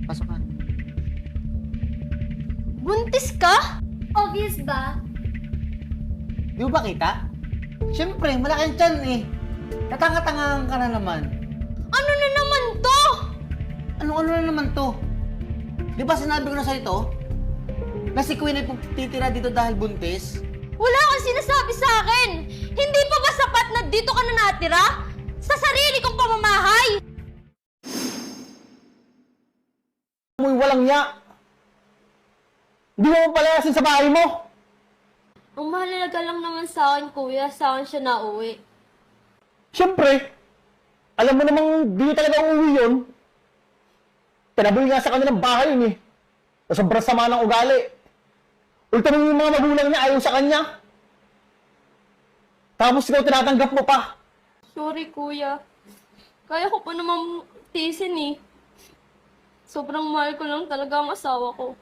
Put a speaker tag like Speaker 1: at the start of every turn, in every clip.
Speaker 1: Pasok ka.
Speaker 2: Buntis ka? Obvious ba?
Speaker 1: Di mo ba kita? Siyempre, malaki ang tiyan eh. Katanga-tangahan ka na naman.
Speaker 2: Ano na naman to?
Speaker 1: Ano na naman to? Di ba sinabi ko na sa'yo to? Na si Queen ay titira dito dahil buntis?
Speaker 2: Wala kang sinasabi sa akin! Hindi pa ba sapat na dito ka na natira? Sa sarili kong pamamahay!
Speaker 3: Amoy walang nya. Hindi mo palayasin sa bahay mo.
Speaker 2: Ang mahalaga lang naman sa akin, kuya. Sa akin siya nauwi.
Speaker 3: Siyempre, alam mo namang di talaga uuwi yun. Tinaboy nga sa kanilang bahay yun eh. Sa sobrang sama ng ugali. Ultimo yung mga magulang niya ayaw sa kanya. Tapos ikaw tinatanggap mo pa.
Speaker 2: Sorry, kuya. Kaya ko pa naman tiisin eh. Sobrang mahal ko lang talaga ang asawa ko.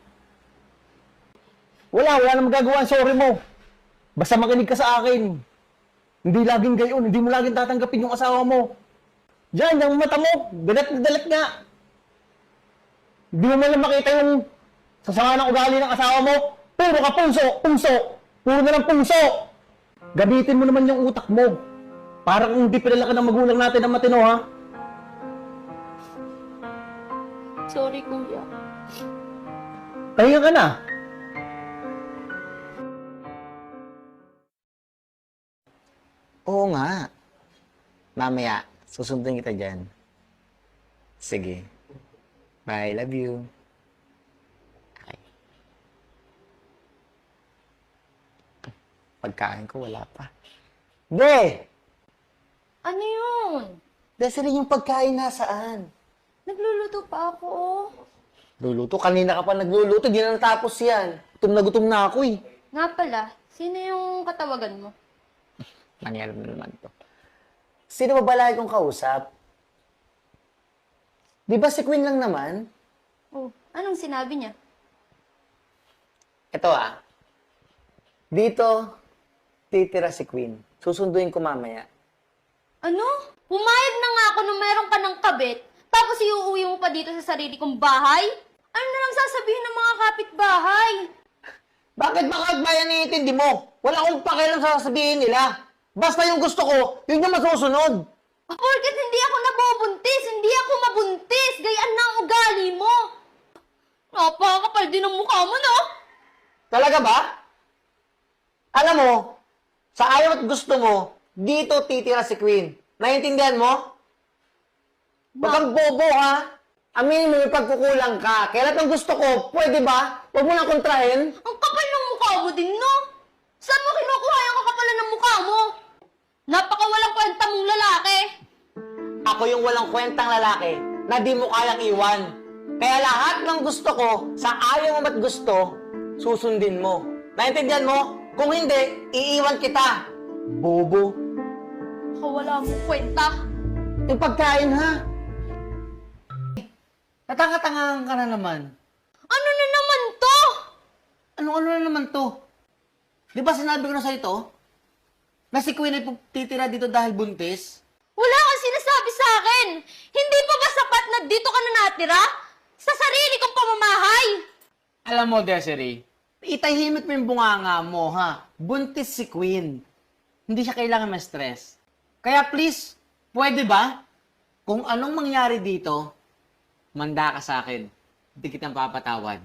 Speaker 3: Wala namang magagawa ang sorry mo. Basta makinig ka sa akin. Hindi laging gayon, hindi mo laging tatanggapin yung asawa mo. Diyan, yung mata mo, dalat na dalat nga. Hindi mo man lang makita yung sasama ng ugali ng asawa mo. Puro ka puso. Puro na lang puso. Gamitin mo naman yung utak mo. Para kung hindi pinalaki ng magulang natin ang matino, ha?
Speaker 2: Sorry, kuya.
Speaker 3: Pahinga ka na.
Speaker 1: Oo nga. Mamaya, susundin kita dyan. Sige. Bye, love you. Okay. Pagkain ko, wala pa. Be!
Speaker 2: Ano yun?
Speaker 1: Desiree, yung pagkain nasaan?
Speaker 2: Nagluluto pa ako, oh.
Speaker 1: Luluto? Kanina ka pa nagluluto, di na natapos yan. Gutom na ako eh.
Speaker 2: Nga pala, sino yung katawagan mo?
Speaker 1: Nangyari na naman to. Sino ba balay kong kausap? Di ba si Queen lang naman?
Speaker 2: Oh, anong sinabi niya?
Speaker 1: Ito ah. Dito, titira si Queen. Susunduin ko mamaya.
Speaker 2: Ano? Pumayag na nga ako nung meron ka ng kabit, tapos iuuwi mo pa dito sa sarili kong bahay? Ano na lang sasabihin ng mga kapitbahay?
Speaker 1: Bakit ba kahit bayan iintindi mo? Wala akong pakialam sa sasabihin nila. Basta yung gusto ko, yun yung masusunod.
Speaker 2: Porket hindi ako nabubuntis, hindi ako mabuntis, gayaan na ang ugali mo. Napakakapal din ang mukha mo, no?
Speaker 1: Talaga ba? Alam mo, sa ayaw at gusto mo, dito titira si Queen. Naiintindihan mo? Huwag kang bobo, ha? Aminin mo yung pagkukulang ka. Kaya lahat ng gusto ko, pwede ba? Huwag mo lang kontrahin.
Speaker 2: Ang kapal ng mukha mo din, no? Saan mo kinukuha yung kakapalan ng mukha mo? Napakawalang kwenta mong lalaki.
Speaker 1: Ako yung walang kwentang lalaki na di mo kayang iwan. Kaya lahat ng gusto ko, sa ayaw mo at gusto, susundin mo. Naintindihan mo? Kung hindi, iiwan kita. Bobo.
Speaker 2: Wala mong kwenta.
Speaker 1: Yung pagkain, ha? Natanga-tangahan ka na naman.
Speaker 2: Ano na naman to?
Speaker 1: Ano na naman to? Di ba sinabi ko na sa'yo to? Na si Queen ay titira dito dahil buntis?
Speaker 2: Wala kang sinasabi sa akin. Hindi pa ba sapat na dito ka na natira? Sa sarili kong pamamahay.
Speaker 1: Alam mo, Desiree, itahimik mo yung bunganga mo, ha? Buntis si Queen. Hindi siya kailangan ma-stress. Kaya please, pwede ba? Kung anong mangyari dito, manda ka sa akin. Hindi kitang papatawad.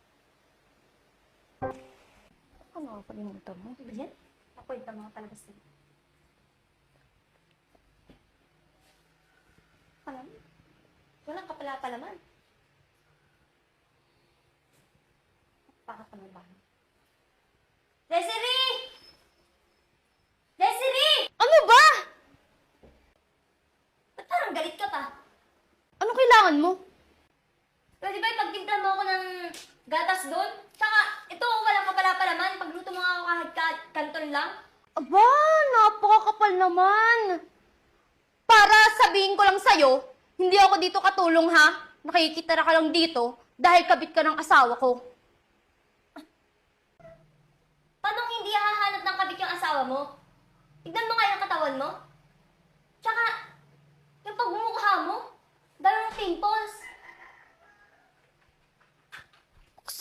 Speaker 2: Ano ka kalimutan mo? Yan? Nakwenta mga talaga sa'yo. Alam mo, walang kapala-palaman. Pakak ka ng bahay. Desiree! Desiree! Ano ba? Ba't parang galit ka pa? Ano kailangan mo? Pwede ba ipagtimpla mo ako ng gatas doon? Tsaka, ito walang kapala-palaman. Pagluto mo nga ako kahit kanton lang. Aba, napakakapal naman. Para sabihin ko lang sa'yo, hindi ako dito katulong ha. Nakikitira ka lang dito dahil kabit ka ng asawa ko. Paano hindi hahanap ng kabit yung asawa mo? Tignan mo nga yung katawan mo. Tsaka, yung pagmumukha mo, dahil ng pimples.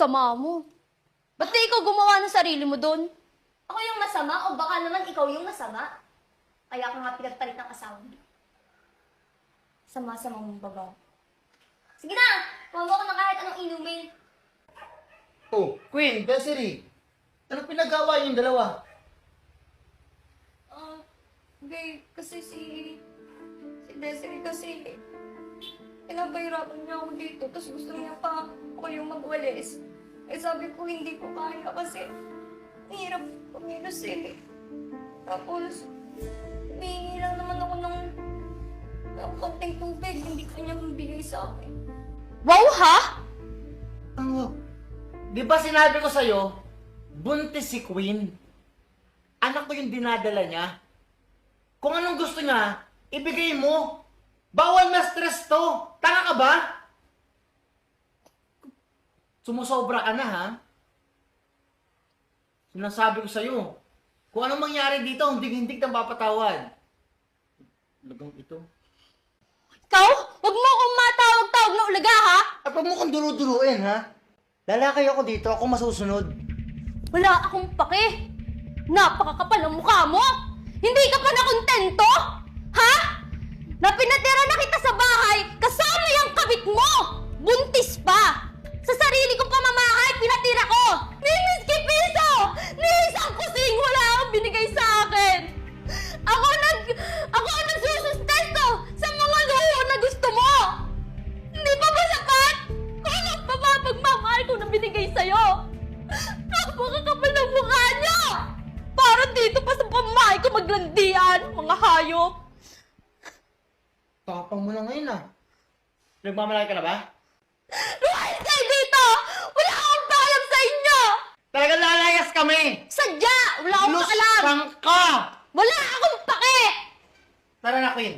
Speaker 2: Sama mo. Ba't di ikaw gumawa ng sarili mo doon? Ako yung masama o baka naman ikaw yung masama? Kaya ka nga pinagpalit ng asawa mo. Sama-sama mong babaw. Sige na! Kuha mo ako ng kahit anong inumin.
Speaker 1: Oh, Queen, Desiree. Ano pinagawa yung dalawa?
Speaker 2: Babe, kasi si Desiree kasi pinapahirapan niya ako dito, tapos gusto niya pa ako yung magwalis. Eh sabi ko hindi ko kaya kasi hirap kumilos eh. Tapos, humingi lang naman ako ng konting tubig, hindi ko niya mabigay sa akin. Wow, ha?
Speaker 1: Ano? Di ba sinabi ko sa'yo, buntis si Queen? Anak ko yung dinadala niya. Kung anong gusto niya, ibigay mo. Bawal na stress to. Tanga ka ba? Sumusobra ka na, ha? Sinasabi ko sa'yo, kung anong mangyari dito, hindig-hindig ng papatawad. Lagang ito.
Speaker 2: Ikaw? Huwag mo akong matawag-tawag na ulaga, ha?
Speaker 1: At huwag mo kong duru-duruin, ha? Lalaki ako dito, ako masusunod.
Speaker 2: Wala akong pake. Napakakapal ng mukha mo. Hindi ka pa nakontento? Ha? Na pinatira na kita sa bahay kasama yung kabit mo. Buntis pa. Sa sarili kong pamamahay, pinatira ko. Ni Miski Piso! Ni isang kusing wala akong binigay sa akin. Ako ang nagsusustento sa mga luho na gusto mo. Hindi pa ba sapat? Ano pa ba pagmamahal ko na binigay sa'yo? Napakakapal ng mukha niyo! Parang dito pa sa pamahay ko maglandian, mga hayop!
Speaker 1: Tapang mo na ngayon, ha? Nagmamalaki ka na ba?
Speaker 2: Lumayas kayo dito! Wala akong pakialam sa inyo!
Speaker 1: Talagang lalayas kami!
Speaker 2: Sadya! Wala akong pakialam!
Speaker 1: Lusang ka!
Speaker 2: Wala akong pake!
Speaker 1: Tara na, Queen.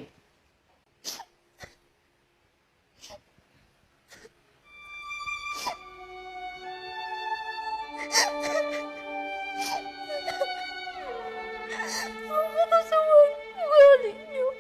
Speaker 2: Ang matasawan, galing niyo.